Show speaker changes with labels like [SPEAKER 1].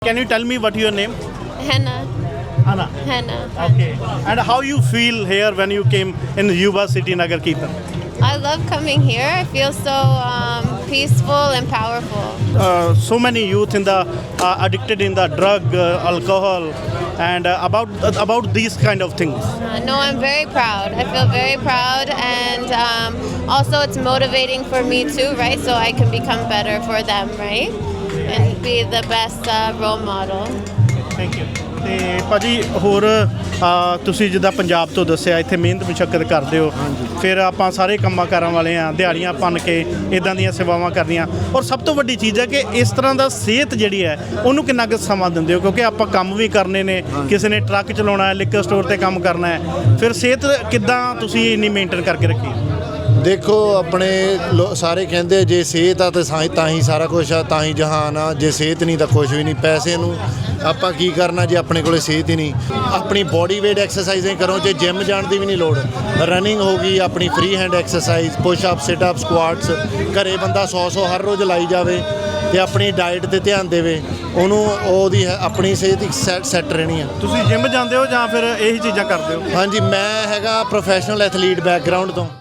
[SPEAKER 1] Can you tell me what your name?
[SPEAKER 2] Hannah.
[SPEAKER 1] Anna.
[SPEAKER 2] Hannah.
[SPEAKER 1] Okay. And how you feel here when you came in Yuba City Nagar Kirtan?
[SPEAKER 2] I love coming here. I feel so peaceful and powerful.
[SPEAKER 1] So many youth in the addicted in the drug, alcohol, and about these kind of things.
[SPEAKER 2] No, I'm very proud. I feel very proud, and also it's motivating for me too, right? So I can become better for them, right? And be the best role model.
[SPEAKER 1] Thank you ਤੇ ਭਾਜੀ ਹੋਰ ਤੁਸੀਂ ਜਿੱਦਾਂ ਪੰਜਾਬ ਤੋਂ ਦੱਸਿਆ ਇੱਥੇ ਮਿਹਨਤ ਮੁਸ਼ੱਕਤ ਕਰਦੇ ਹੋ ਫਿਰ ਆਪਾਂ ਸਾਰੇ ਕੰਮਾਂ ਕਾਰਾਂ ਵਾਲੇ ਆ ਦਿਹਾੜੀਆਂ ਭੰਨ ਕੇ ਇਦਾਂ ਦੀਆਂ ਸੇਵਾਵਾਂ ਕਰਨੀਆਂ ਔਰ ਸਭ ਤੋਂ ਵੱਡੀ ਚੀਜ਼ ਹੈ ਕਿ ਇਸ ਤਰ੍ਹਾਂ ਦਾ ਸਿਹਤ ਜਿਹੜੀ ਹੈ ਉਹਨੂੰ ਕਿੰਨਾ ਕੁ ਸਮਾਂ ਦਿੰਦੇ ਹੋ ਕਿਉਂਕਿ ਆਪਾਂ ਕੰਮ ਵੀ ਕਰਨੇ ਨੇ ਕਿਸੇ ਨੇ ਟਰੱਕ ਚਲਾਉਣਾ ਹੈ ਲਿਕਰ ਸਟੋਰ ਤੇ ਕੰਮ ਕਰਨਾ ਹੈ ਫਿਰ ਸਿਹਤ ਕਿੱਦਾਂ ਤੁਸੀਂ ਇੰਨੀ ਮੇਨਟੇਨ ਕਰਕੇ ਰੱਖੀ
[SPEAKER 3] ਦੇਖੋ ਆਪਣੇ ਸਾਰੇ ਕਹਿੰਦੇ ਜੇ ਸਿਹਤ ਆ ਤਾਂ ਹੀ ਸਾਰਾ ਕੁਝ ਆ ਤਾਂ ਹੀ ਜਹਾਨ ਆ ਜੇ ਸਿਹਤ ਨਹੀਂ ਤਾਂ ਕੁਝ ਵੀ ਨਹੀਂ ਪੈਸੇ ਨੂੰ ਆਪਾਂ ਕੀ ਕਰਨਾ ਜੇ ਆਪਣੇ ਕੋਲੇ ਸਿਹਤ ਹੀ ਨਹੀਂ ਆਪਣੀ ਬੋਡੀ ਵੇਟ ਐਕਸਰਸਾਈਜ਼ਾਂ ਕਰੋ ਜੇ ਜਿਮ ਜਾਣ ਦੀ ਵੀ ਨਹੀਂ ਲੋੜ ਰਨਿੰਗ ਹੋ ਗਈ ਆਪਣੀ free hand exercise push up sit up squats ਘਰੇ ਬੰਦਾ 100 ਹਰ ਰੋਜ਼ ਲਾਈ ਜਾਵੇ ਤੇ ਆਪਣੀ ਡਾਈਟ 'ਤੇ ਧਿਆਨ ਦੇਵੇ ਉਹਨੂੰ ਉਹਦੀ ਆਪਣੀ ਸਿਹਤ ਸੈੱਟ ਰਹਿਣੀ ਆ
[SPEAKER 1] ਤੁਸੀਂ ਜਿਮ ਜਾਂਦੇ ਹੋ ਜਾਂ ਫਿਰ ਇਹੀ ਚੀਜ਼ਾਂ ਕਰਦੇ ਹੋ
[SPEAKER 3] ਹਾਂਜੀ ਮੈਂ ਹੈਗਾ ਪ੍ਰੋਫੈਸ਼ਨਲ ਐਥਲੀਟ ਬੈਕਗਰਾਊਂਡ ਤੋਂ